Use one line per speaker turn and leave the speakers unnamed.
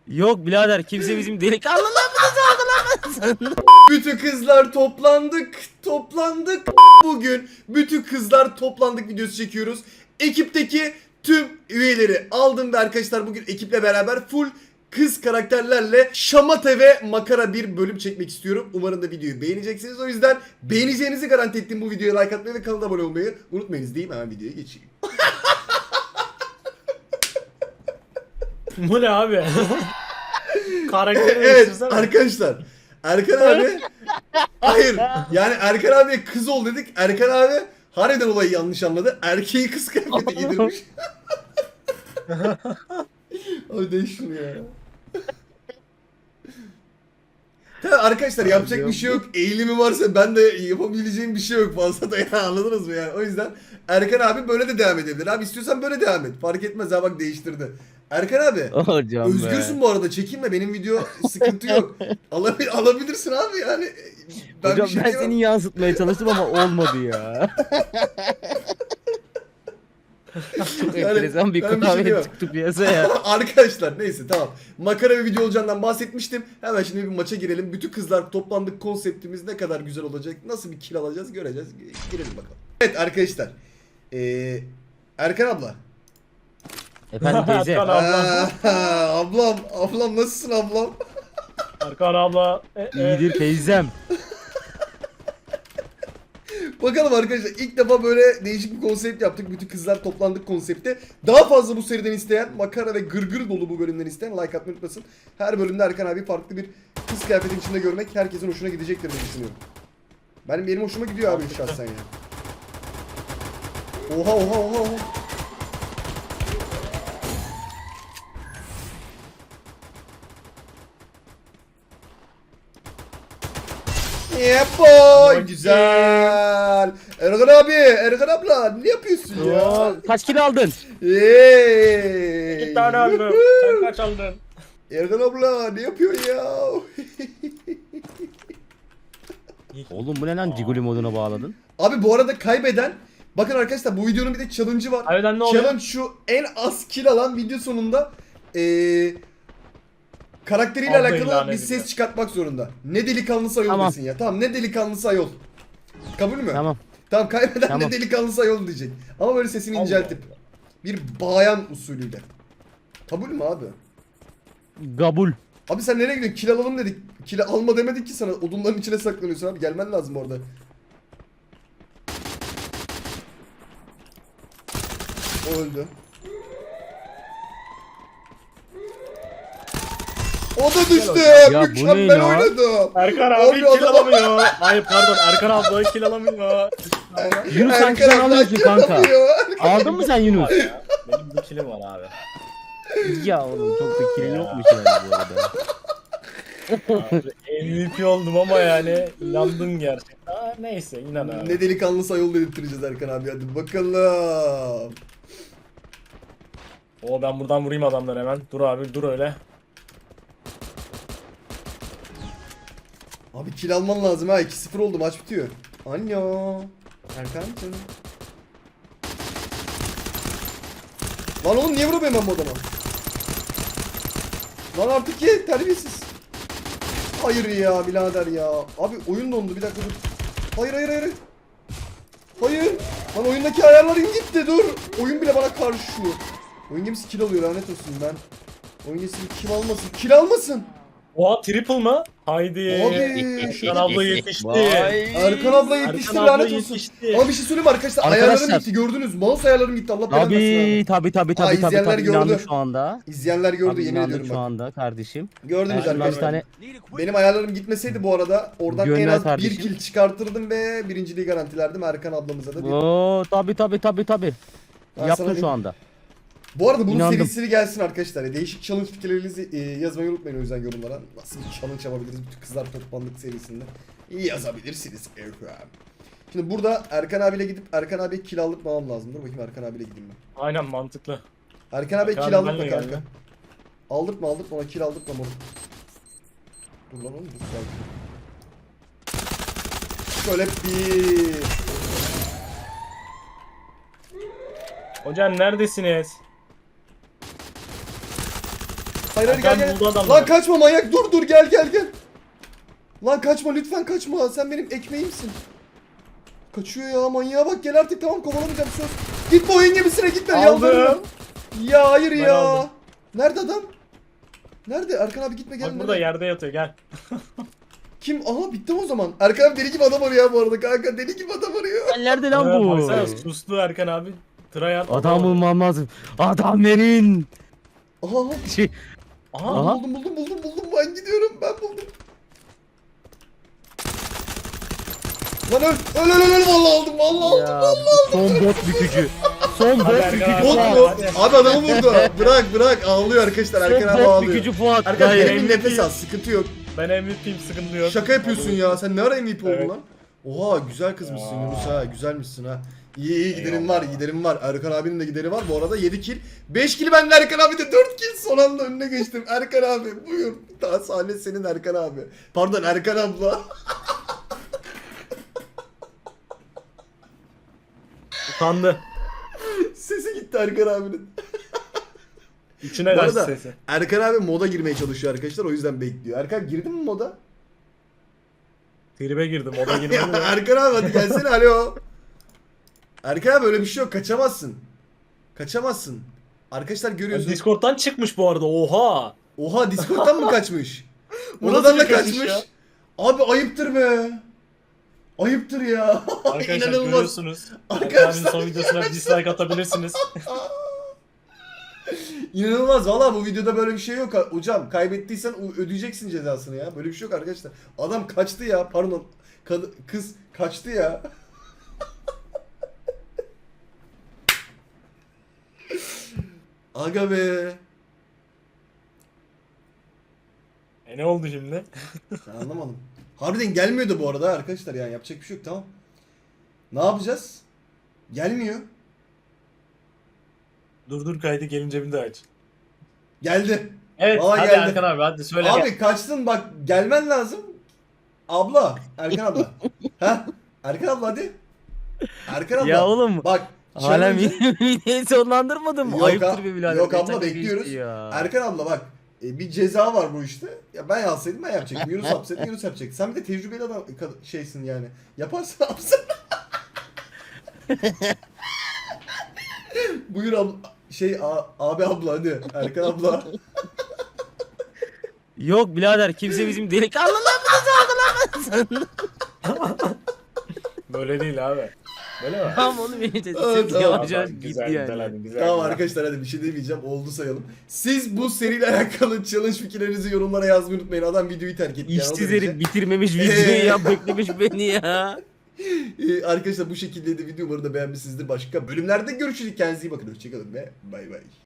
Yok birader kimse bizim delikanlılığımızı algılamasın.
Bütün kızlar toplandık. Bugün bütün kızlar toplandık videosu çekiyoruz. Ekipteki tüm üyeleri aldım ve arkadaşlar bugün ekiple beraber full kız karakterlerle şamata ve makara bir bölüm çekmek istiyorum. Umarım da videoyu beğeneceksiniz. O yüzden beğeneceğinizi garanti ettiğim bu videoya like atmayı ve kanala abone olmayı unutmayınız diyeyim, hemen videoya geçeyim.
Bu ne abi? Karakteri
Evet
değiştirsene.
arkadaşlar, Erkan abi hayır yani Erkan abiye kız ol dedik. Erkan abi harbiden olayı yanlış anladı. Erkeği kız kıyafeti giydirmiş. Abi değiş şunu ya. Tabii arkadaşlar yapacak bir şey yok. Eğilimi varsa ben de yapabileceğim bir şey yok fazla da ya, anladınız mı yani? O yüzden Erkan abi böyle de devam edebilir. Abi istiyorsan böyle devam et. Fark etmez ha, bak değiştirdi. Erkan abi
Hocam
özgürsün bu arada, çekinme, benim video sıkıntı yok. Alabilirsin abi yani.
Hocam
bir şey
ben
diyemem.
seni yansıtmaya çalıştım ama olmadı ya. Çok
Yani
enteresan bir
ben bir şey
klavye
diyemem.
çıktı piyasaya.
Arkadaşlar neyse tamam. Makara bir video olacağından bahsetmiştim. Hemen şimdi bir maça girelim. Bütün kızlar toplandık, konseptimiz ne kadar güzel olacak. Nasıl bir kill alacağız göreceğiz. Girelim bakalım. Evet arkadaşlar. Erkan abla.
Efendim teyze.
Erkan abla.
Ablam nasılsın ablam?
Erkan abla.
İyidir teyzem.
Bakalım arkadaşlar, ilk defa böyle değişik bir konsept yaptık. Bütün kızlar toplandık konsepte. Daha fazla bu seriden isteyen, makara ve gırgır dolu bu bölümden isteyen like atmayı unutmasın. Her bölümde Erkan abi farklı bir kız kıyafetin içinde görmek herkesin hoşuna gidecektir diye düşünüyorum. Benim hoşuma gidiyor abi şahsen ya. Oha. Yeah boy, güzel. Erkan abla ne yapıyorsun ya?
Oo, kaç kilo aldın?
Hey.
2 tane aldım. Sen kaç aldın?
Erkan abla ne yapıyorsun ya?
Oğlum bu ne lan Ciguli moduna bağladın?
Abi bu arada kaybeden, bakın arkadaşlar bu videonun bir de challenge'ı var.
Kaybeden ne oluyor?
Challenge şu: en az kill alan video sonunda karakteriyle
Abla
alakalı
ilan
bir
ediliyor.
ses çıkartmak zorunda. Ne delikanlısı ayol
Tamam.
desin ya. Tamam, ne delikanlısı ayol. Kabul mü?
Tamam.
Tamam, kaybeden
Tamam.
ne delikanlısı ayol diyecek. Ama böyle sesini
Allah
inceltip.
Allah.
Bir bayan usulüyle. Kabul mü abi?
Gabul.
Abi sen nereye gidiyorsun? Kill alalım dedik. Kill alma demedik ki sana. Odunların içine saklanıyorsun abi. Gelmen lazım orada. O öldü. O da düştü.
Ya bu
Mükemmel
ne ya?
oynadı.
Erkan
Abi
abi kill
adam-
alamıyor. Hayır pardon, Erkan abla kill alamıyor.
Yunus sanki sen
Erkan
alıyorsun
kill
kanka.
alamıyor.
Aldın mı sen Yunus?
Benim bir killim var abi.
Ya oğlum çok da kilin
Ya.
yokmuş yani bu arada.
MVP oldum ama yani inandın gerçekten. Neyse inan abi.
Ne delikanlı sayol dedirttireceğiz Erkan abi, hadi bakalım.
Ben buradan vurayım adamları hemen. Dur abi dur öyle.
Abi kill alman lazım ha, 2-0 oldu, maç bitiyor. Anyo. Erkan canım. Lan oğlum niye vuramıyorum ben bu adama? Lan artık ye, terbiyesiz. Hayır ya birader ya. Abi oyun dondu, bir dakika dur. Hayır. Hayır. Lan oyundaki ayarlarım gitti, dur. Oyun bile bana karşı. Oyun gemisi kill alıyor, lanet olsun ben. Oyun gemisi kim almasın? Kill almasın.
Oha triple mı? Haydi.
Abi.
Erkan abla yetişti.
Vay.
Erkan abla yetişti,
Erkan abla
lanet olsun.
yetişti.
Ama bir şey söyleyeyim mi arkadaşlar?
Arkadaşlar.
Ayarlarım gitti, gördünüz. Mouse ayarlarım gitti. Allah belanı versin abi.
Tabi
izleyenler gördü.
inandım şu anda.
İzleyenler gördü,
Abi
yemin
inandım
ediyorum
şu
bak.
anda kardeşim.
Gördünüz
Şundan bir
arkadaşlar.
tane
Benim ayarlarım gitmeseydi bu arada oradan en
Gönder
az
kardeşim.
1 kill çıkartırdım ve birinciliği garantilerdim Erkan ablamıza da.
Oo tabi.
Ben
Yaptın
sana
şu anda.
Bu arada bunun
İnandım.
serisi gelsin arkadaşlar. Değişik challenge fikirlerinizi yazmayı unutmayın o yüzden yorumlara. Nasıl bir challenge yapabiliriz bütün kızlar toplandık serisinde. Yazabilirsiniz Erkan. Şimdi burada Erkan abiyle gidip Erkan abiye kill aldırmam lazım. Dur bakayım, Erkan abiyle gideyim ben.
Aynen mantıklı.
Erkan abiye
Erkan
kill
abi
aldırma
benle
kanka.
geldi.
Aldırtma ona kill aldırtma moruk. Dur lan oğlum, dur sakin. Şöyle bir...
Hocam neredesiniz?
Hayır hayır, gel
Hakan
gel.
buldu adamları.
Lan kaçma manyak, dur gel gel gel. Lan kaçma lütfen, kaçma, sen benim ekmeğimsin. Kaçıyor ya, manyağa bak, gel artık, tamam, kovalamayacağım, söz. Gitme oyun gemisine, gitme,
Aldım.
yalvarırım. Ya hayır
Ben
ya.
aldım.
Nerede adam? Nerede? Erkan abi gitme, gel.
Bak burada yerde yatıyor gel.
Kim? Aha bittim o zaman. Erkan abi deli gibi adam arıyor bu arada kanka, deli gibi adam arıyor.
Nerede lan bu?
Baksana suslu Erkan abi. Tryhard
Adam bulmam lazım. Adam verin.
Aha.
Şey,
Aha.
Aha.
Buldum, ben gidiyorum, ben buldum. Lan öl vallahi aldım, vallahi aldım.
ya, son bot bükücü. Son
Hadi
bot
Erkan
bükücü
abi.
Bot
Fuat.
mu?
Hadi.
Abi adamı vurdu. Bırak ağlıyor arkadaşlar, Erkan abi
Son bot
ağlıyor.
bükücü Fuat.
Erkan
Hayır.
derin nefes al, sıkıntı yok.
Ben MVP'yim sıkıntı yok.
Şaka yapıyorsun ya, sen ne ara MVP oldun
Evet.
lan? Oha güzel kızmışsın
Ya.
Yunus ha, güzelmişsin ha. İyi giderim var, giderim var. Erkan abinin de gideri var. Bu arada 7 kill. 5 kill bende, Erkan abi de 4 kill. Son anda önüne geçtim. Erkan abi buyur. Daha sahne senin Erkan abi. Pardon Erkan abla.
Utandı.
Sesi gitti Erkan abinin.
İçine
Bu
kaçtı
arada
sesi.
Erkan abi moda girmeye çalışıyor arkadaşlar. O yüzden bekliyor. Erkan girdin mi moda?
Tribe girdim o da
Ya,
girmedi de.
Erkan abi hadi gelsene, alo. Erkan abi öyle bir şey yok. Kaçamazsın. Kaçamazsın. Arkadaşlar görüyorsunuz.
Discord'dan çıkmış bu arada oha.
Oha Discord'dan mı kaçmış?
Bu
Oradan
nasıl
da
bir kaçış
kaçmış.
ya?
Abi ayıptır be. Ayıptır ya.
Arkadaşlar
İnanılmaz.
görüyorsunuz.
Arkadaşlar,
Erkan abinin son videosuna bir dislike atabilirsiniz.
İnanılmaz. Valla bu videoda böyle bir şey yok. Hocam kaybettiysen ödeyeceksin cezasını ya. Böyle bir şey yok arkadaşlar. Adam kaçtı ya. Pardon. Kız kaçtı ya. Aga be.
Ne oldu şimdi?
Ben anlamadım. Harbiden gelmiyordu bu arada arkadaşlar, yani yapacak bir şey yok, tamam. Ne yapacağız? Gelmiyor.
Dur kaydı gelince bir de aç.
Geldi.
Evet
Vallahi
hadi
geldi.
Erkan abi hadi söyle.
Abi kaçtın bak, gelmen lazım. Abla, Erkan abla. Ha? Erkan abla hadi. Erkan abla.
Ya oğlum.
Bak.
Hala
challenge-
videoyu sonlandırmadın mı?
Yok
Ayıptır
ha-
be birader.
yok abla,
Geçen de
bekliyoruz.
geçti ya.
Erkan abla bak. Bir ceza var bu işte. Ya ben yapsaydım ben yapacaktım. Yunus yapsaydı Yunus yapacaktı. Sen bir de tecrübeli adam şeysin yani. Yaparsan yapsın. Buyur abla. Abi abla hadi. Erkan abla.
Yok birader, kimse bizim delikanlılığımızı sorgulamaz.
Böyle değil abi. Böyle mi?
Tamam oğlum, benim sesim
Evet, tamam,
yavaş yavaş
Güzel,
gitti
güzel
yani.
hadi güzel.
Tamam
güzel.
arkadaşlar, hadi bir şey demeyeceğim. Oldu sayalım. Siz bu seriyle alakalı challenge fikirlerinizi yorumlara yazmayı unutmayın. Adam videoyu terk etti. yani, o
İşsiz
derece.
herif bitirmemiş videoyu ya, beklemiş beni ya.
Arkadaşlar bu şekilde de video, umarım da beğenmişsinizdir. Başka bölümlerde görüşürüz. Kendinize iyi bakın. Hoşçakalın ve bay bay.